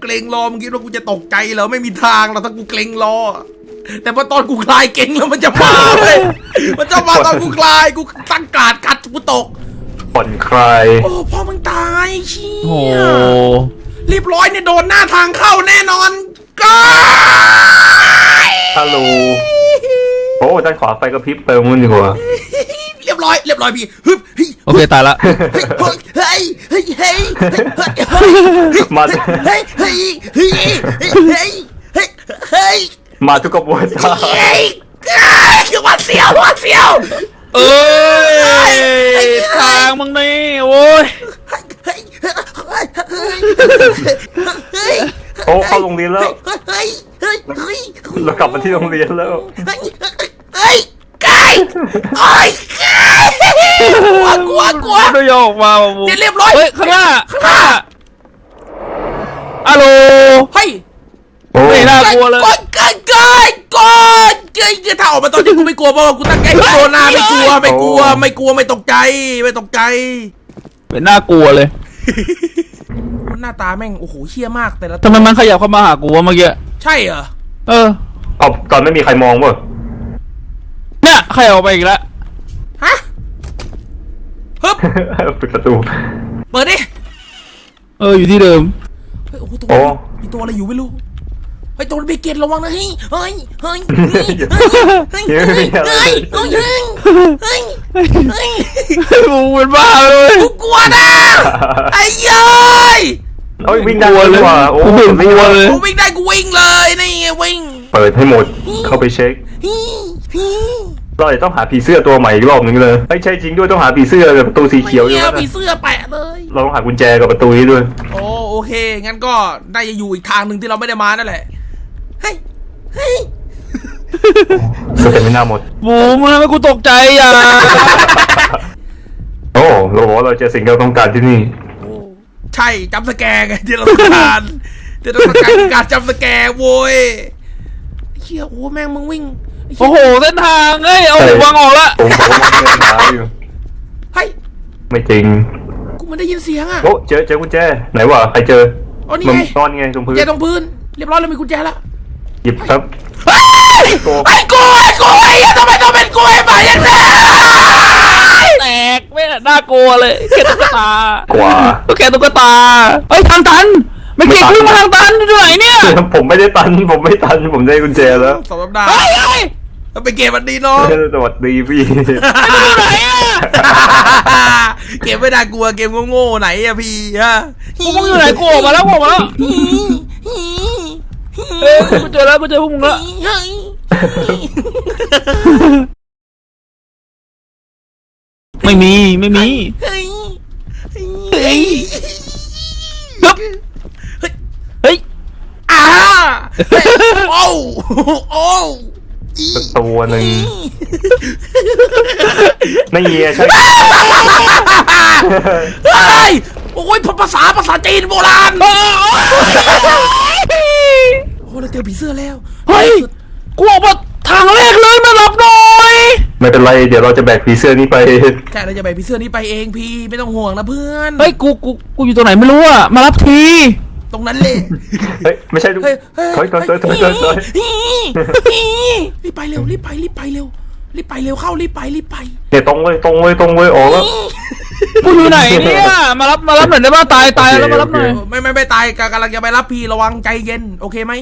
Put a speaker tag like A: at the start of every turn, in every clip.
A: รงรอมึงคิดว่ากูจะตกใจเหรอไม่มีทางหรอกถ้ากูเกรงรอแต่พอตอนกูคลายเก่งแล้วมันจะมาเลยมันจะมาตอนกูคลายกูตั้งการกัดกูตก
B: ผ่อนคลาย
A: โอ้พ่อมึงตายเชี่ย
C: โอ้
A: เรียบร้อยเนี่ยโดนหน้าทางเข้าแน่นอนก็
B: ฮัลโหลโอ้ด้านขวาไฟกระพริบไปมึงดีกว่า
A: เรียบร้อยพี่ฮึบ
C: โอเคตายละ
A: เฮ้ย
B: มาทุกกระบวนการ
A: คือวัดเสียว
C: เอ้ยทางมึงนี่โว้ย
B: โอ้เข้าโรงเรียนแล้วเรากลับมาที่โรงเรียนแล้ว
A: ไก่กลัว
C: ไม่ยอมมาบู
A: เรียบร้อย
C: เฮ้ยข้างหน้าฮัลโหล
A: เฮ้ย
C: ไม่น่ากลัวเลย
A: ก่อนถ้าออกมาตอนนี้กูไม่กลัวเพราะว่ากูตั้งใจโดนหน้าไม่กลัวไม่ตกใจ
C: เป็นน่ากลัวเลย
A: หน้าตาแม่งโอ้โหเชี่ยมากแต่ละ
C: ทำไมมันขยับเข้ามาหากูวะเมื่อกี้
A: ใช่เหรอ
B: เอาตอนไม่มีใครมองวะ
C: เนี่ยขยับออกไปอีกแล้ว
A: ฮะฮึบ
B: ปิดประตู
A: เปิดดิ
C: อยู่ที่เดิม
A: เฮ้ยโอ้โหมีตัวอะไรอยู่ไม่รู้เฮ้ยตัวเบเกตระวังนะเฮ้ย
C: มึงเป็นบ้าเลย
A: กูกลัวนะไอ้ยัย
B: วิ่งได้เลยว่ะโอ้
C: ไม่กลัวเลย
A: กูวิ่งได้กูวิ่งเลยนี่ไงวิ่ง
B: เปิดให้หมดเข้าไปเช็คเราจะต้องหาผีเสื้อตัวใหม่อีกรอบนึงเลยไม่ใช่จริงด้วยต้องหาผีเสื้อกับประตูสีเขียวอยู่นะ
A: ผีเสื้อแปะเลย
B: เราต้องหากุญแจกับประตูนี้ด้วย
A: โอเคงั้นก็ได้จะอยู่อีกทางหนึ่งที่เราไม่ได้มานั่นแหละเฮ้ย
B: ก็เป็นไม่น่าหมด
C: บูมึงทำให้กูตกใจอ่ะ
B: โอ้เราบอกว่าเราเจอสิ่งที่เราต้องการที่นี่
A: ใช่จำสแกร์ไงที่เราต้องการการจำสแกร์โว้ยเชี่ยโอ้แม่งมึงวิ่ง
C: โอ้โหเส้นทางเอ้ยเอาวางออกละ
B: ผมบอกว่ามันเดินช้าอยู่
A: เฮ้ย
B: ไม่จริง
A: กูมันได้ยินเสียงอ่ะ
B: โอ้เจอกุญแจไหนวะใครเจอ
A: นี่ไง
B: นอนไงตรงพื้น
A: ตรงพื้นเรียบร้อยแล้วมีกุญแจละ
B: หยิบครับ
A: ไอ้กูทำไมต้องเป็นกูไอ้ป่าอย่างนี้
C: แตกไม่น่ากลัวเลยแค่ตุ๊กตาก
B: ว่า
C: ก็แค่ตุ๊กตาเฮ้ยทางตันไม่เก่งขึ้นมาทางตันอยู่ไหนเนี่ย
B: ผมไม่ได้ตันผมได้กุญแจแล้ว
A: สำหรับดาไปเก็บมันดีเนาะ
B: สวัสดีพี่
C: อยู่ไหนอะ
A: เก็บไม่ได้กลัวเกมโง่ๆไหนอะพี่ฮะ
C: มึงอยู่ไหนกูออกมาแล้วกูเจอพวกมึงแล้วไม่มีเฮ้ย
A: โอ้
B: ตัวหนึ่งไม่เงี้ยใช่
A: โอ้ยภาษาจีนโบราณโอ้เราเจอผีเสื้อแล้ว
C: เฮ้ยกูออกมาทางแรกเลยมารับหน่อย
B: ไม่เป็นไรเดี๋ยวเราจะแบกผีเสื้อนี้ไป
A: ใช่เราจะแบกผีเสื้อนี้ไปเองพี่ไม่ต้องห่วงนะเพื่อน
C: เฮ้ยกูอยู่ตรงไหนไม่รู้อะมารับที
A: ตรงนั้นเลย
B: เฮ้ยไม่ใช่ดูถอย
A: รีบไปเร็วเข้ารีบไป
B: เนี่ยตรงเลยออกแล้ว
C: กูอยู่ไหนเนี่ยมารับหน่อยได้ป่ะตายแล้วมารับหน่อย
A: ไม่ตายกำลังจะไปรับพี่ระวังใจเย็นโอเคไหม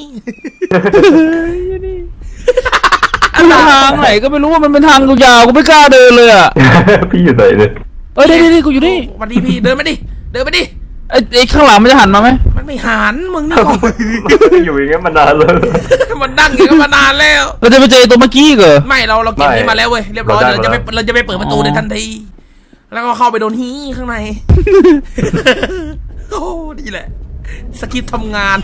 C: ทางไหนก็ไม่รู้ว่ามันเป็นทางยาวกูไม่กล้าเดินเลยอ่ะ
B: พี่อยู่ไหนเนี่ย
C: นี่กูอยู่นี่
A: วันนี้พี่เดินไปดิ
C: ไอ้ข้างหลังมันจะหันมาไหม
A: มันไม่หันมึงนี่
B: อยู่อย่างเงี้ยมานานเลย
A: มันนั่งอย่างเงี้ยมานานแล้ว
C: เราจะไปเจอตัวเมื่อกี้เหรอ
A: ไม่เราเก็บนี้มาแล้วเว้ยเรียบร้อยเราจะไปเปิดประตูในทันทีแล้วก็เข้าไปโดนฮีข้างในโอ้ดีแหละสกิปทำงาน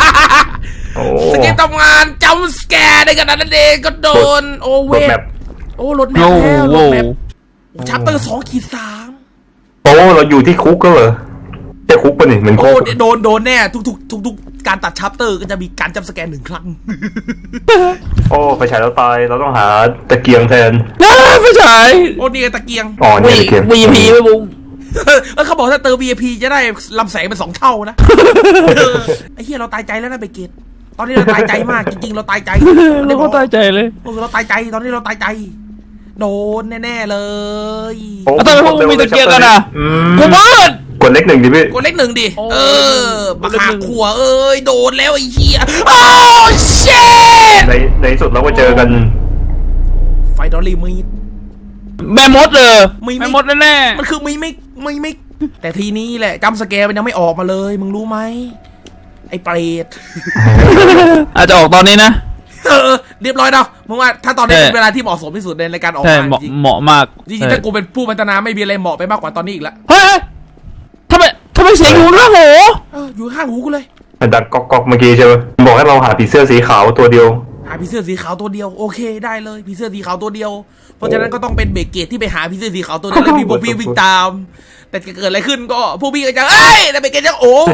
A: จำสแกร์ในขณะนั้นเองก็โดนโอเวทรถแมพแล้วรถแมพชัปเตอร์2-3
B: เราอยู่ที่คุกก็เหรอแต่คุกปะนี่เหมือนคุก
A: โดนแน่ทุกการตัดชัปเตอร์ก็จะมีการจำสแกน1 ครั้ง
B: ไฟฉายเราตายเราต้องหาตะเกียงแทน
C: ไฟฉาย
A: นี่ตะเกียง
B: นี่ตะเกียง
C: วีพีไปบุ้ง
A: เขาบอกถ้าเติม VIP จะได้ลำแสงเป็น2 เท่านะ ไอ้เหี้ยเราตายใจแล้วนะเบเกตตอนนี้เราตายใจมากจริงๆเราตายใจ
C: เราก็ตายใจเลย
A: เราตายใจตอนนี้เราตายใจโดนแน่ๆเลย
B: โอ้
C: แล้วทำไมพวกมึงมีตะเกียงกันอ่ะ
B: อืม
C: กูมืด
B: กดเลข 1ดิพี่
A: กดเลข 1ดิ
C: โอ้
A: บัก
C: เลข
A: หา
C: 1
A: ขัวเอ้ยโดนแล้วไอ้เหี้ยโอ้เชต
B: ในที่สุดเราก็เจอกัน
A: ไฟดอลลี่มีด
C: แม่มดเลย
A: ไม่
C: แม่มดแน่
A: มันคือไม่แต่ทีนี้แหละจัมป์สแกร์มันยังไม่ออกมาเลยมึงรู้ไหมไอ้เปรต
C: ๆอาจจะออกตอนนี้นะ
A: เรียบร้อยเนาะมึงว่าถ้าตอนนี้
C: ใช่
A: เป็นเวลาที่เหมาะสมที่สุดในการออก
C: ใช่
A: มา
C: เหมาะ
A: จริง
C: เหมาะมาก
A: จริงๆถ้ากูเป็นผู้พัฒนาไม่มีอะไรเหมาะไปมากกว่าตอนนี้อีกแล้ว
C: เฮ้ยทำไมเสียงอยู่ข้างหู
A: อยู่ข้างหูกูเลย
B: มันดังก๊อกๆเมื่อกี้ใช่ไหมบอกให้เราหาผีเสื้อสีขาวตัวเดียว
A: หาผีเสื้อสีขาวตัวเดียวโอเคได้เลยผีเสื้อสีขาวตัวเดียวเพราะฉะนั้นก็ต้องเป็นเบเกตที่ไปหาผีเสื้อสีขาวตัวเดียวแล้วมีพวกพี่วิ่งตาม แต่จะเกิดอะไรขึ้นก็พวกพี่ก็จะเอ้ยแต่เบเกตจะโอ้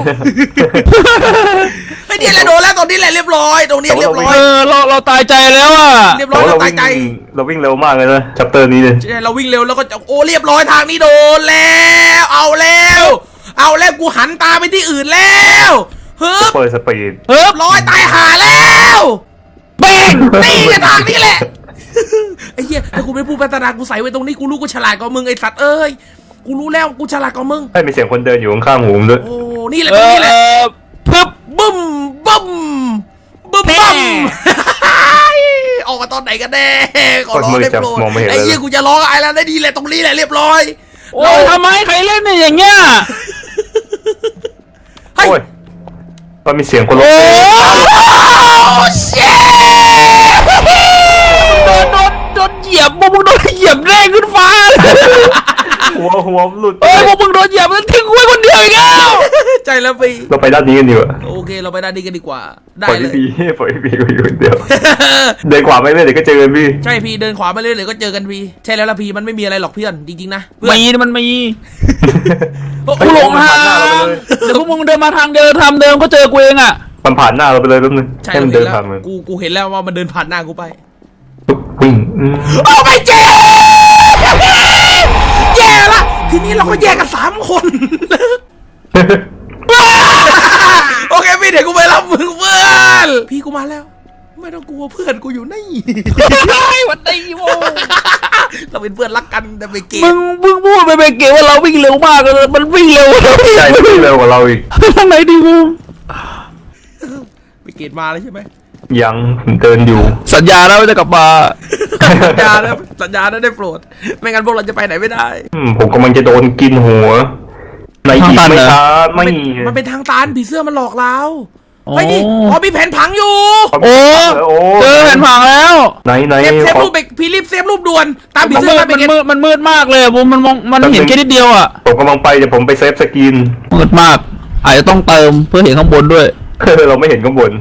A: ไอ้เนี่ยแหละโดนแล้วตรงนี้แหละเรียบร้อยตรงนี้เรียบร้อย
C: เราตายใจแล้วอ่ะ
A: เรียบร้
B: แต่
A: อย
B: ว่า
A: เรา
B: เรา
A: ตาย
B: วิ่ง
A: ใจ
B: เราวิ่งเร็วมากเลยนะชัปเตอร์นี้เลย
A: เราวิ่งเร็วแล้วก็จะโอ้เรียบร้อยทางนี้โดนแล้วเอาแล้วกูหันตาไปที่อื่นแล้วเฮ้ย
B: เปิดสปีด
C: เฮ้ย
A: ร้อยตายหาแล้วเป้งนี่ไงทางนี้แหละไอ้เหี้ยถ้ากูเป็นผู้พัฒนากูใส่ไว้ตรงนี้กูรู้กูฉลาดกว่ามึงไอ้สัตว์เอ้ยกูรู้แล้วกูฉลาดกว่ามึง
B: ให้มีเสียงคนเดินอยู่ข้างๆหูผมด้วย
A: โอ้นี่แหละตรงนี้แหละ
C: ปึ๊บ
A: บึ้มบึ้มบึ้มบึ้มออกมาตอนไหนกันแน่ขอร้องได้โปรดไอ้เหี้ยกูจะร้องไอ้แล้วได้ดีแหละตรงนี้แหละเรียบร้อย
C: โอ้ยทำไมใครเล่นเนี่ยอย่างเงี้ย
A: เฮ้ย
B: โอ้ยมันมีเสียงคนร้อง
C: โอ้
B: เพลง
A: เชี่ย
C: โดนเหยียบพวกมึงโดนเหยียบแรงขึ้นฟ้า
B: หัวหลุด
C: เอ้ยพวกมึงโดนเหยียบแล้วทิ้งไว้คนเดียวอีกแล้ว
A: ใจแล้วไป
B: เราไปด้านนี้กันดีกว่า
A: โอเคเราไปด้านนี้กันดีกว่าได้
B: ปล่อย
A: เล
B: พี่
A: ย
B: พีปล่อยพี่พีก็อยู่คนเดียวเดินขวาไปเรื่อยเดี๋ยวก็เจอกันพี่
A: ใช่พี่เดินขวามาเรื่อยๆก็เจอกันพี่ใช่แล้วล่ะพี่มันไม่มีอะไรหรอกเพื่อนจริงๆนะเพื่อน
C: มันมี
A: โอ้
C: กูหลงทาง
B: ผ่านหน้าเราไปเลย
C: เดี๋ยวพวกมึงเดินมาทางเดิมทำเดิมก็เจอกูเองอ่ะ
B: มันผ่านหน้าเราไปเลยแป๊บนึง
A: ใช่
B: ให้มัน
A: เห็
B: เดิ
A: น
B: น
A: แล้ว
B: ผ่านมัน
A: กูเห็นแล้วว่ามันเดินผ่านหน้ากูไป
B: ปุ๊บวิ่ง
A: โอ้ไม่เจ๊แย่ละทีนี้เราก็แยกกัน3 คน โอเคพี่เดี๋ยวกูไปรับมึงเพื่อนพี่กูมาแล้ว ไม่ต้องกลัวเพื่อนกูอยู่นี่
C: วันดีโว้
A: เราเป็นเพื่อนรักกันแต่ไปเก
C: มึ
A: ม
C: งพูดไปเก๋ว่าเราวิ่งเร็วมากเลยมันวิ่งเร็ว
B: ใช่วิ่งเร็วกว่าเราอีก
C: ทางไหนดีกู
A: ไปเกตมาแล้วใช่ไหม
B: ยังเดินอยู่
C: สัญญาแล้วว่าจะกลับมา
A: สัญญาแล้วสัญญาแล้วได้โปรดไม่งั้นพวกเราจะไปไหนไม่ได้
B: ผมกำลังจะโดนกินหัวในอีกไม่ช้าไม่
A: มันเป็นทางตันผีเสื้อมันหลอกเราเฮ้ยนี่อ๋อมีแผนผังอยู่
C: โอ้เจอแผ่นผังแล้ว
B: ไหน
A: เซฟรูปพี่รีบเซฟรูปด่วนตามผีเสื้อมาไปเกต
C: มันมืดมากเลยผมมันมองมันเห็นแค่นิดเดียวอ่ะ
B: ผมกำลังไปเดี๋ยวผมไปเซฟสกิน
C: มืดมาก อาจจะต้องเติมเพื่อเห็นข้างบนด้วย
B: เราไม่เห็นข้างบน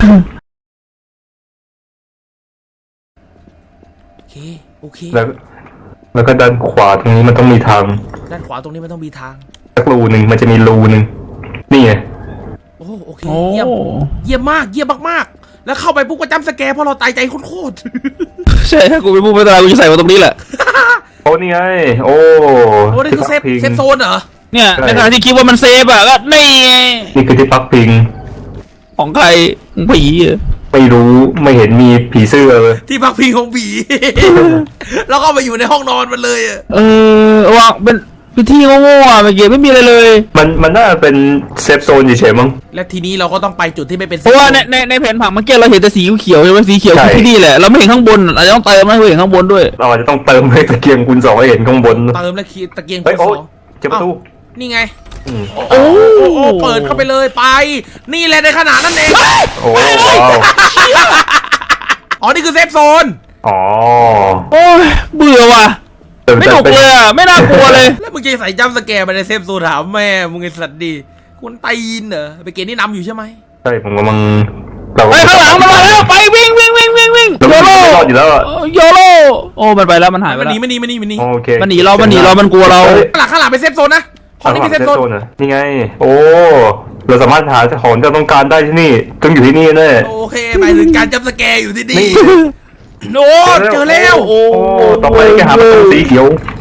A: โอเค
B: แล้วก็ด้านขวาตรงนี้มันต้องมีทาง
A: ด้านขวาตรงนี้มันต้องมีทาง
B: สักรูหนึ่งมันจะมีรูหนึ่งนี่ไง
A: โอเคเยี่ยมมากเยี่ยมมากๆแล้วเข้าไปปุ๊บก็จำสแกร์เพราะเราตายใจโคตร
C: ใช่ถ้ากูเป็นผู้พัฒนากูจะใส่มาตรงนี้แหละ
B: โอ้นี่ไงโอ้
A: โอ้นี่คือเซฟโซนเหรอ
C: เนี่ยในขณะที่คิดว่ามันเซฟอ่ะก็นี่ไง
B: นี่คือที่พักพิง
C: ของใครของผีอ่ะ
B: ไม่รู้ไม่เห็นมีผีเสื้อเลย
A: ที่พักพิงของผี แล้วก็ไปอยู่ในห้องนอนมันเลยอะ
C: วางเป็นพื้นที่โง่ๆอ่ะเมื่อกี้ไม่มีอะไรเลย
B: มันน่าจะเป็นเซฟโซนเฉยๆมั้ง
A: และทีนี้เราก็ต้องไปจุดที่ไม่เป็น
C: เพราะว่าในแผนผังเมื่อกี้เราเห็นแต่สีเขียวใช่ไหมสีเขียวคือที่นี่แหละเราไม่เห็นข้างบนอาจจะต้องเติมให้เห็นข้างบนด้วย
B: เราอาจจะต้องเติมให้ตะเกียงคูณ 2ให้เห็นข้างบน
A: เติมและคีตะเกียง
B: เฮ้ย
A: คูณ
B: โอ้
A: สอง
B: เจอประตู
A: นี่ไง
B: อืม
C: โอ้
A: โอ้เปิดเข้าไปเลยไป นี่แหละในขนาดนั้นเอง
B: โอ้ว้าว
A: อ๋อนี่คือเซฟโซน
B: อ๋อ
C: โอ้ยเบื่อว่ะไม่หนุกเลยอ่ะไม่น่ากลัวเลย
A: แล้วมึงจะใส่จัมป์สแกร์ไปในเซฟโซนถามแม่มึงไอ้สัตว์ดีคุณตีนเหรอไปเกณฑ์นี่นำอยู่ใช่ไหม
B: ใช่ผมกำลังเรา
C: ไปข้างหลังมันมาแล้วไปวิ่งโยโร่
B: ไม่รอดอยู่แล้วอะ
C: โยโร่โอ้มันไปแล้วมันหายไป
A: มัน
C: แล้ว
A: หนีมันหนีมันหนีมันหนี
B: โอเค
C: มันหนีเรามันกลัวเรา
A: ข้างหลังเป็นเซฟโซนนะห้องนี้เป็นเซฟโซน
B: เหรอนี่ไง โอ้เราสามารถหาของที่เราต้องการได้ที่นี่ต้องอยู่ที่นี่แน่
A: โอเคหมายถึงการจัมป์สแกร์อยู่ที่นี่
B: นี่
A: โน้ตเจอแล้ว
C: โอ้
B: โอ้ต่อไปก็หาประตูสีเขียว
A: โ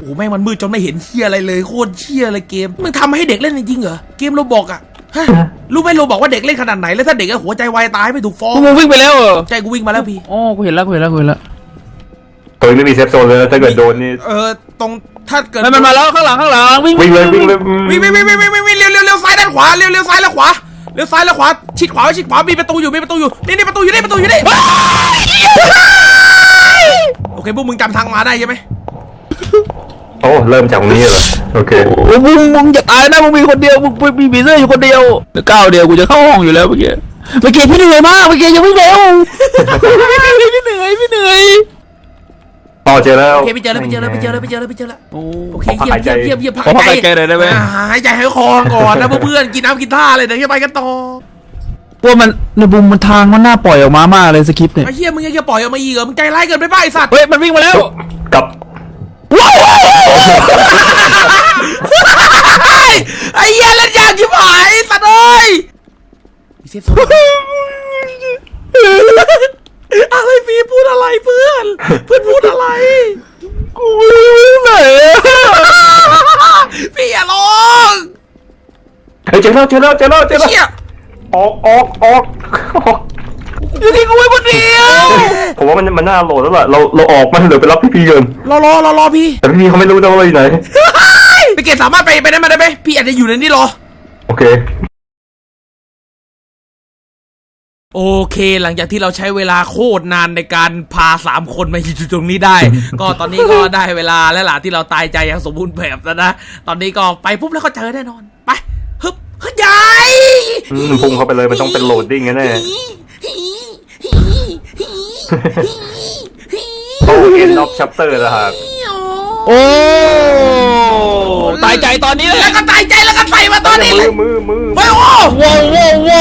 A: อ้แม่งมันมืดจนไม่เห็นเชี่ยอะไรเลยโคตรเชี่ยเลยเกมมึงทำให้เด็กเล่นจริงๆเหรอเกมโรบอกอะฮะรู้ไหมโรบอกว่าเด็กเล่นขนาดไหนแล้วถ้าเด็กหัวใจวายตายไม่ถูกฟ้อง
C: กูวิ่งไปแล้วเหรอ
A: ใจกูวิ่งมาแล้วพี่
C: อ๋อกูเห็นแล้ว
B: ตัวนี้ไม่มีเซฟโซนเลยนะถ้าเกิดโดนนี่
A: ตรงถ้าเกิด
C: มันมาแล้วข้างหลังวิ่ง
B: วิ่งเลย
A: วิ่งเร็วซ้ายด้านขวาเร็วซ้ายแล้วขวาเร็วซ้ายแล้วขวาชิดขวามีประตูอยู่นี่ประตูอยู่นี่โอเคพวกมึงจำทางมาได้ใช่ไหม
B: โอ้เริ่มจากตรงนี้เหรอโอเค
C: โอ้มึงอย่าตายนะมึงมีคนเดียวมึงมีผีเสื้ออยู่คนเดียวก้าวเดียวกูจะเข้าห้องอยู่แล้วเมื่อกี้พี่เหนื่อยมากเมื่อกี้ยังวิ่งเร็วพี่เหนื่อย
B: ต่อเจอแล้ว
A: โอเคไปเจอแล้วโอเคเยี่ยมพัก
C: ขอพักหายใจหน่อยได้ไหม
A: หายใจให้คอก่อนนะเพื่อนกินน้ำกินท่าเลยเดี๋ยวไปกันต่อ
C: พวกมันในบุมมันทางมันน่าปล่อยออกมามากเลยสคริปต์เนี่ย
A: ไอ้เหี้ยมึงยังจะปล่อยออกมาอีกเหรอมึงใจร้ายเกินไปป่ะไอ้สัตว์
C: เฮ้ยมันวิ่งมาแล้ว
B: กับ
A: ไอ้เหี้ยเล่นยากชิบหายสัตว์เอ้ยมีเซฟโซนอะไรพี่พูดอะไรเพื่อนพูดอะไร
C: กูไหน
A: พี่อย่าร้อง
B: เฮ้ยเจอแล้ว
A: เชี่ย
B: ออก
C: อยู่ที่กูไว้คนเดียว
B: ผมว่ามันน่าโหลดแล้วล่ะเราออกมันเดี๋ยวไปรับพี่ๆกัน
A: รอพี่
B: แต่พี่เขาไม่รู้นะว่าอยู่ไหน
A: ไปเกตสามารถไปได้มาได้ไหมพี่อาจจะอยู่ในนี้รอ
B: โอเค
A: โอเคหลังจากที่เราใช้เวลาโคตรนานในการพา3คนมาอยู่ตรงนี้ได้ ก็ตอนนี้ก็ได้เวลาแล้วล่ะที่เราตายใจอย่างสมบูรณ์แบบแล้วนะตอนนี้ก็ไปปุ๊บแล้วก็เจอแน่นอนไปฮึบใหญ่
B: พุ่งเข้าไปเลยมันต้องเป็นโหลดดิ้งแน่โอ้เอ็นออฟชัปเตอร์นะครับ
C: โอ้ตายใจตอนนี้เลย
A: แล้วก็ตายใจแล้วก็ใส่มาตอนนี้เลย
B: มือ
A: ไปโอ้
C: ว้าว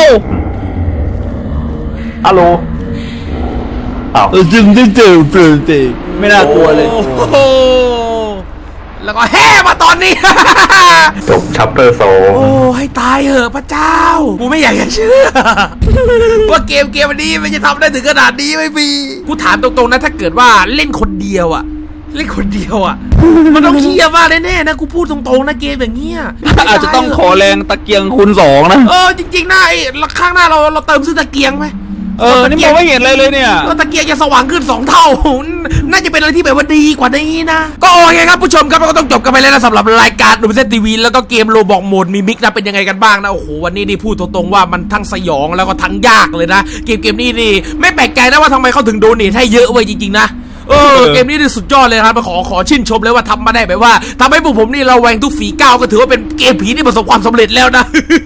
B: ฮัลโหลอ้าว
C: จึงไม่น่ากลัวเลย
A: โอ้โหแล้วก็แห่มาตอนนี้
B: จบชัปเตอร์โซ
A: โอ้ให้ตายเหอะพระเจ้ากูไม่อยากจะเชื่อ ว่าเกมนี้มันจะทำได้ถึงขนาดนี้ไม่มีกูถามตรงๆนะถ้าเกิดว่าเล่นคนเดียวอะมันต้องเครียดมากแน่ๆนะกูพูดตรงๆนะเกมอย่างเงี้ย
C: อาจจะต้องขอแรงตะเกียงคูณ2นะ
A: จริงๆนะไอ้ข้างหน้าเราเติมซื้อตะเกียงไหม
C: นี่มองไม่เห็นอะไรเลยเนี่ย
A: ตะเกียงจะสว่างขึ้น2 เท่า น่าจะเป็นอะไรที่แบบว่าดีกว่านี้นะ ก็โอเคครับผู้ชมครับก็ต้องจบกันไปแล้วนะสำหรับรายการดูเซตทีวีแล้วก็เกมโรบอกโหมดมีมิกนะเป็นยังไงกันบ้างนะโอ้โหวันนี้นี่พูดตรงๆว่ามันทั้งสยองแล้วก็ทั้งยากเลยนะเกมนี้นี่ไม่แปลกใจนะว่าทำไมเขาถึงโดเนทให้เยอะเว้ยจริงๆนะเกมนี้นี่สุดยอดเลยครับขอชื่นชมเลยว่าทำมาได้แบบว่าทำให้พวกผมนี่เราแวงทุกฝีก้าวก็ถือว่าเป็นเกมผีที่ประสบความสำเร็จแล้วนะ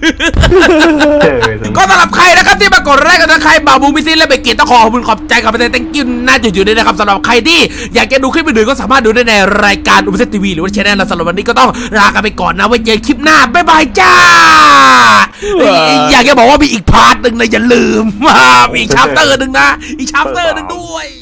A: ก็สำหรับใครนะครับที่มากดไลค์กันนะใครบ่าวบูมิซินและเบเกตต้องขอบคุณขอบใจกับเป็น thank you น่าจะอยู่ด้วยนะครับสำหรับใครที่อยากจะดูคลิปอื่นๆก็สามารถดูได้ในรายการดูเซตทีวีหรือว่าช่องเราสำหรับวันนี้ก็ต้องลากันไปก่อนนะไว้เจอคลิปหน้าบ๊ายบายจ้าอยากจะบอกว่ามีอีกพาร์ทหนึ่งนะอย่าลืมมีอีกชัปเตอร์หนึ่งนะอีกชัปเตอร์หนึ่งด้วย